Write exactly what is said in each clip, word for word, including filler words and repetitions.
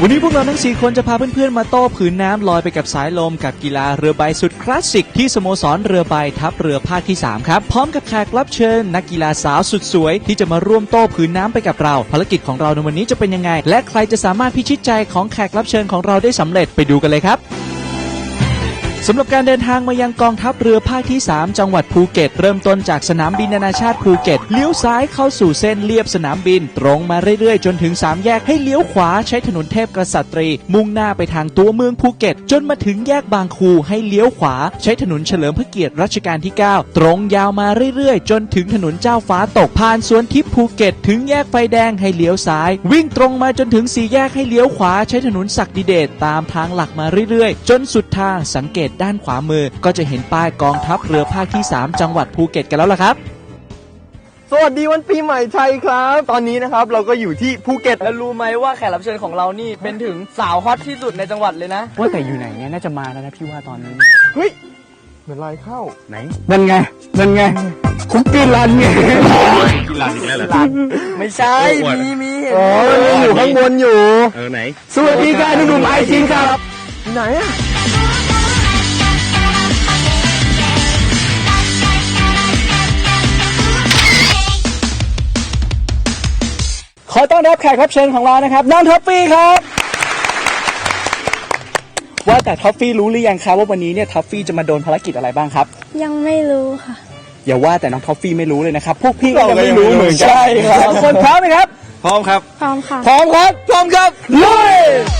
วันนี้พวกเราทั้งสี่คนจะพาเพื่อนๆมาโต้ผืนน้ำลอยไปกับสายลมกับกีฬาเรือใบสุดคลาสสิกที่สโมสรเรือใบทัพเรือภาคที่สามครับพร้อมกับแขกรับเชิญนักกีฬาสาวสุดสวยที่จะมาร่วมโต้ผืนน้ำไปกับเราภารกิจของเราในวันนี้จะเป็นยังไงและใครจะสามารถพิชิตใจของแขกรับเชิญของเราได้สำเร็จไปดูกันเลยครับสำหรับการเดินทางมายังกองทัพเรือภาคที่สามจังหวัดภูเก็ตเริ่มต้นจากสนามบินนานาชาติภูเก็ตเลี้ยวซ้ายเข้าสู่เส้นเลียบสนามบินตรงมาเรื่อยๆจนถึงสามแยกให้เลี้ยวขวาใช้ถนนเทพกษัตรีมุ่งหน้าไปทางตัวเมืองภูเก็ตจนมาถึงแยกบางคูให้เลี้ยวขวาใช้ถนนเฉลิมพระเกียรติรัชกาลที่เก้าตรงยาวมาเรื่อยๆจนถึงถนนเจ้าฟ้าตกผ่านสวนทิพย์ภูเก็ตถึงแยกไฟแดงให้เลี้ยวซ้ายวิ่งตรงมาจนถึงสี่แยกให้เลี้ยวขวาใช้ถนนศักดิเดชตามทางหลักมาเรื่อยๆจนสุดทางสังเกตด้านขวามือก็จะเห็นป้ายกองทัพเรือภาคที่สามจังหวัดภูเก็ตกันแล้วล่ะครับสวัสดีวันปีใหม่ไทยครับตอนนี้นะครับเราก็อยู่ที่ภูเก็ตแล้วรู้ไหมว่าแขกรับเชิญของเรานี่เป็นถึงสาวฮอตที่สุดในจังหวัดเลยนะว่าแต่อยู่ไหนเนี่ยน่าจะมาแล้วนะพี่ว่าตอนนี้เฮ้ยเหมือนลายเข้าไหนนั่นไงนั่นไงคุกกี้รันไงกินร้านอีกแล้วเหรอไม่ใช่มีมีเห็นอ๋ออยู่ข้างบนอยู่เออไหนสวัสดีค่ะหนุ่มไอจินครับไหนอะขอต้อนรับแขกรับเชิญของเรานะครับน้องท็อฟฟี่ครับว่าแต่ท็อฟฟี่รู้หรือยังครับว่าวันนี้เนี่ยท็อฟฟี่จะมาโดนภารกิจอะไรบ้างครับยังไม่รู้ค่ะอย่าว่าแต่น้องท็อฟฟี่ไม่รู้เลยนะครับพวกพี่ก็ยังไม่รู้เหมือนกันใช่ครับคนพร้อมไหมครับพร้อมครับพร้อมค่ะพร้อมครับพร้อมครับลุย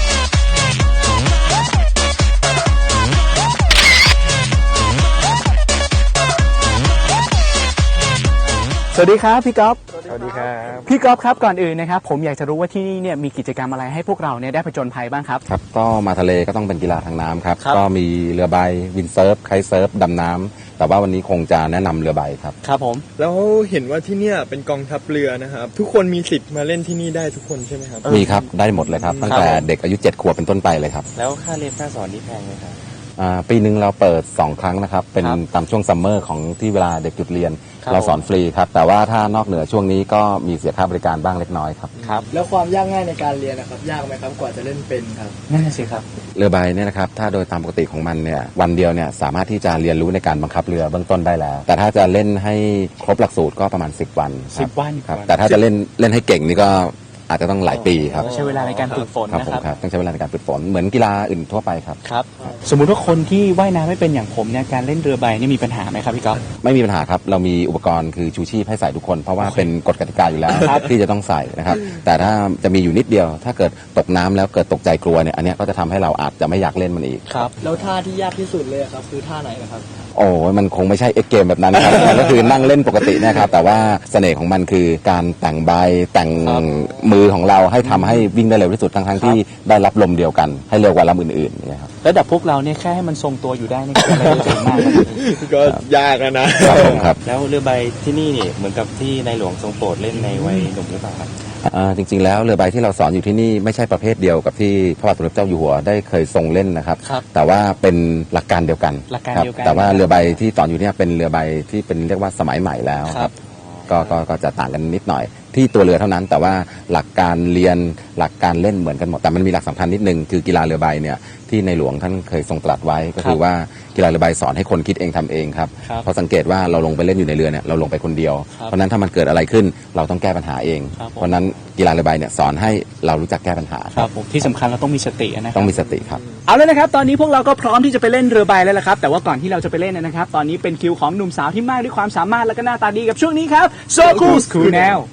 สวัสดีครับพี่ก๊อฟสวัสดีครับพี่ก๊อฟครับก่อนอื่นนะครับผมอยากจะรู้ว่าที่นี่เนี่ยมีกิจกรรมอะไรให้พวกเราเนี่ยได้ผจญภัยบ้างครับครับก็มาทะเลก็ต้องเป็นกีฬาทางน้ำครับก็มีเรือใบวินเซิร์ฟไคท์เซิร์ฟดำน้ำแต่ว่าวันนี้คงจะแนะนำเรือใบครับครับผมแล้วเห็นว่าที่เนี่ยเป็นกองทัพเรือนะครับทุกคนมีสิทธิ์มาเล่นที่นี่ได้ทุกคนใช่ไหมครับมีครับได้หมดเลยครับตั้งแต่เด็กอายุเจ็ดขวบเป็นต้นไปเลยครับแล้วค่าเรียนค่าสอนนี่แพงไหมครับปีหนึ่งเราเปิดสองครั้งนะครับเป็นตามช่วงซัมเมอร์ของที่เวลาเด็กหยุดเรียนเราสอนฟรีครับแต่ว่าถ้านอกเหนือช่วงนี้ก็มีเสียค่าบริการบ้างเล็กน้อยครับครับแล้วความยากง่ายในการเรียนนะครับยากไหมครับกว่าจะเล่นเป็นครับนั่นสิครับเรือใบเนี่ยนะครับถ้าโดยตามปกติของมันเนี่ยวันเดียวเนี่ยสามารถที่จะเรียนรู้ในการบังคับเรือเบื้องต้นได้แล้วแต่ถ้าจะเล่นให้ครบหลักสูตรก็ประมาณสิบวันสิบวันครับแต่ถ้าจะเล่นเล่นให้เก่งนี่ก็อาจจะต้องหลายปีครับใช้เวลาในการฝึกฝนนะครับต้องใช้เวลาในการฝึกฝนเหมือนกีฬาอื่นทั่วไปครับครับสมมุติว่าคนที่ว่ายน้ำไม่เป็นอย่างผมเนี่ยการเล่นเรือใบนี่มีปัญหาไหมครับพี่ก๊อฟไม่มีปัญหาครับเรามีอุปกรณ์คือชูชีพให้ใส่ทุกคนเพราะว่าเป็นกฎกติกาอยู่แล้วที่จะต้องใส่นะครับแต่ถ้าจะมีอยู่นิดเดียวถ้าเกิดตกน้ำแล้วเกิดตกใจกลัวเนี่ยอันนี้ก็จะทำให้เราอาจจะไม่อยากเล่นมันอีกครับแล้วท่าที่ยากที่สุดเลยครับคือท่าไหนนะครับโอ้มันคงไม่ใช่เอ็กเกมแบบนั้นครับก็คือนั่งเล่นปกตินะครับแต่ว่าเสน่ห์ของมันคือการแต่งใบแต่งมือของเราให้ทำให้วิ่งได้เร็วที่สุดทั้งๆที่ได้รับลมเดียวกันให้เร็วกว่าลำอื่นๆนี่ครับระดับพวกเราเนี่ยแค่ให้มันทรงตัวอยู่ได้นี่ก็ไม่ได้เก่งมากก็ยากนะครับครับแล้วเรือใบที่นี่นี่เหมือนกับที่ในหลวงทรงโปรดเล่นในวัยหนุ่มหรือเปล่าครับจริงๆแล้วเรือใบที่เราสอนอยู่ที่นี่ไม่ใช่ประเภทเดียวกับที่พระบาทสมเด็จเจ้าอยู่หัวได้เคยทรงเล่นนะครับแต่ว่าเป็นหลักการเดียวกันหลักการเดียวกันแต่ว่าเรือใบที่สอนอยู่เนี่ยเป็นเรือใบที่เป็นเรียกว่าสมัยใหม่แล้วครับก็ก็จะต่างกันนิดหน่อยที่ตัวเรือเท่านั้นแต่ว่าหลักการเรียนหลักการเล่นเหมือนกันหมดแต่มันมีหลักสำคัญนิดนึงคือกีฬาเรือใบเนี่ยที่ในหลวงท่านเคยทรงตรัสไว้ก็คือว่ากีฬาเรือใบสอนให้คนคิดเองทำเองครับเพราะสังเกตว่าเราลงไปเล่นอยู่ในเรือเนี่ยเราลงไปคนเดียวเพราะนั้นถ้ามันเกิดอะไรขึ้นเราต้องแก้ปัญหาเองเพราะนั้นกีฬาเรือใบเนี่ยสอนให้เรารู้จักแก้ปัญหาครับที่สำคัญเราต้องมีสตินะต้องมีสติครับเอาเลยนะครับตอนนี้พวกเราก็พร้อมที่จะไปเล่นเรือใบแล้วละครับแต่ว่าก่อนที่เราจะไปเล่นนะครับตอนนี้เป็นคิวของหนุ่มสาวที่มากด้วยความสามารถและก็หน้าตาดีกับช่วงนี้ครับโซคูสคูแนล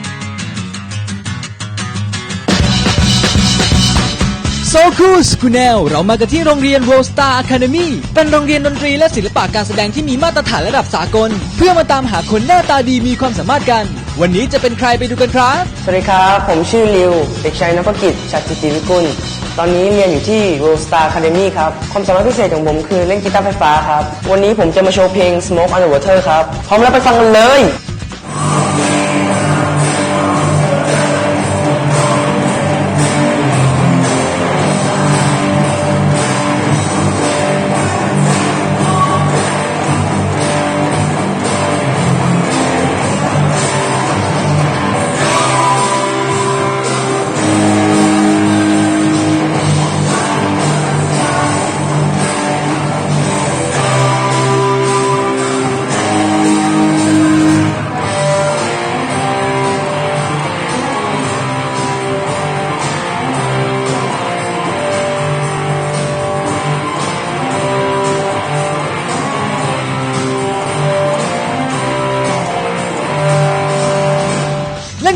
โซคูสคูเนลเรามากันที่โรงเรียน World Star Academy เป็นโรงเรียนดนตรีและศิลปะการแสดงที่มีมาตรฐานระดับสากลเพื่อมาตามหาคนหน้าตาดีมีความสามารถกันวันนี้จะเป็นใครไปดูกันครับสวัสดีครับผมชื่อริวเด็กชายนภกิจชัดจิตติวิกุลตอนนี้เรียนอยู่ที่ World Star Academy ครับความสามารถพิเศษของผมคือเล่นกีตาร์ไฟฟ้าครับวันนี้ผมจะมาโชว์เพลง Smoke on the Water ครับพร้อมแล้วไปฟังกันเลย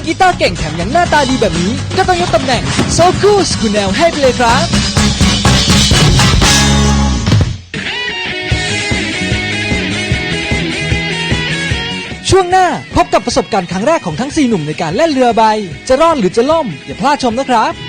กีตาร์เก่งแถมยังหน้าตาดีแบบนี้ก็ต้องยกตำแหน่งโซคูสกูแนลให้ไปเลยครับช่วงหน้าพบกับประสบการณ์ครั้งแรกของทั้งสี่หนุ่มในการเล่นเรือใบจะรอดหรือจะล่มอย่าพลาดชมนะครับ